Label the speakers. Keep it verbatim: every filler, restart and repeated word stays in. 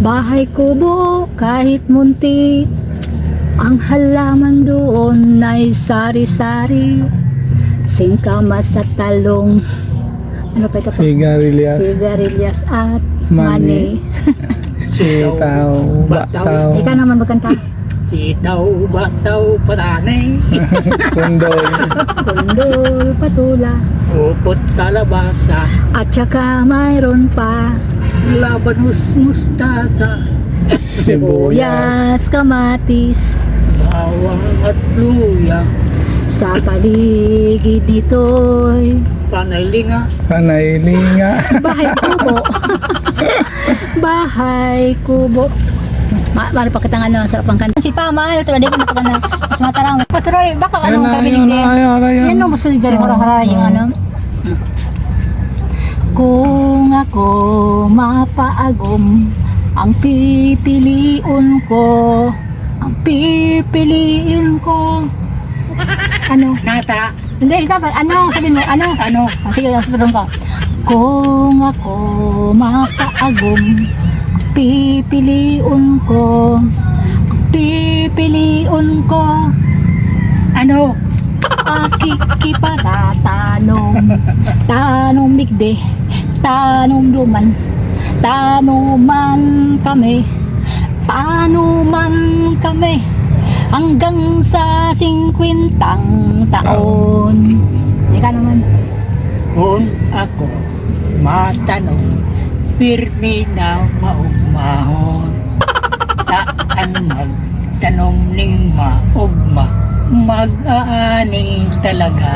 Speaker 1: Bahay kubo kahit munti, ang halaman doon ay sari-sari. Singkamas at talong, ano pa ito?
Speaker 2: Sigarilyas.
Speaker 1: Sigarilyas at
Speaker 2: Mani.
Speaker 1: mani.
Speaker 2: Sitaw, bataw,
Speaker 1: Ikaw naman magkanta.
Speaker 3: Sitaw, bataw, patanay,
Speaker 2: kundol,
Speaker 1: Kundol, patula,
Speaker 3: upot, kalabasa,
Speaker 1: at saka mayroon pa
Speaker 3: labanus, mustasa,
Speaker 2: sibuyas,
Speaker 1: sibuyas, kamatis.
Speaker 3: bawang at luya,
Speaker 1: Sa paligid nito'y
Speaker 3: panaylinga,
Speaker 2: panaylinga.
Speaker 1: bahay kubo. Bahay kubo. Ma mari pa kitang ano, sarap ang kanta. Si Pama, ito na ko napaganda. Mas matarang. Patroy, baka ano
Speaker 2: Ayun na,
Speaker 1: kami
Speaker 2: ayun
Speaker 1: ni.
Speaker 2: na, ayun na, ayun
Speaker 1: Yan
Speaker 2: na.
Speaker 1: no, gusto gari hara-hara yung ano. Kung ako mapaagom, ang pipiliin ko, ang pipiliin ko. Ano?
Speaker 3: nata,
Speaker 1: Hindi, dapat ano, sabihin mo, ano?
Speaker 3: ano,
Speaker 1: Ah, sige, sasabihin ko. Kung ako mapaagom, pipiliin ko, pipiliin ko,
Speaker 3: ano,
Speaker 1: akikipatatanong, tanong migde, tanong duman, tanuman kami, tanuman kami, hanggang sa singkwintang taon. Ika naman.
Speaker 3: kung ako matanong, pirmi na maugmahon, taan magtanong ning maugma, mag-aani talaga.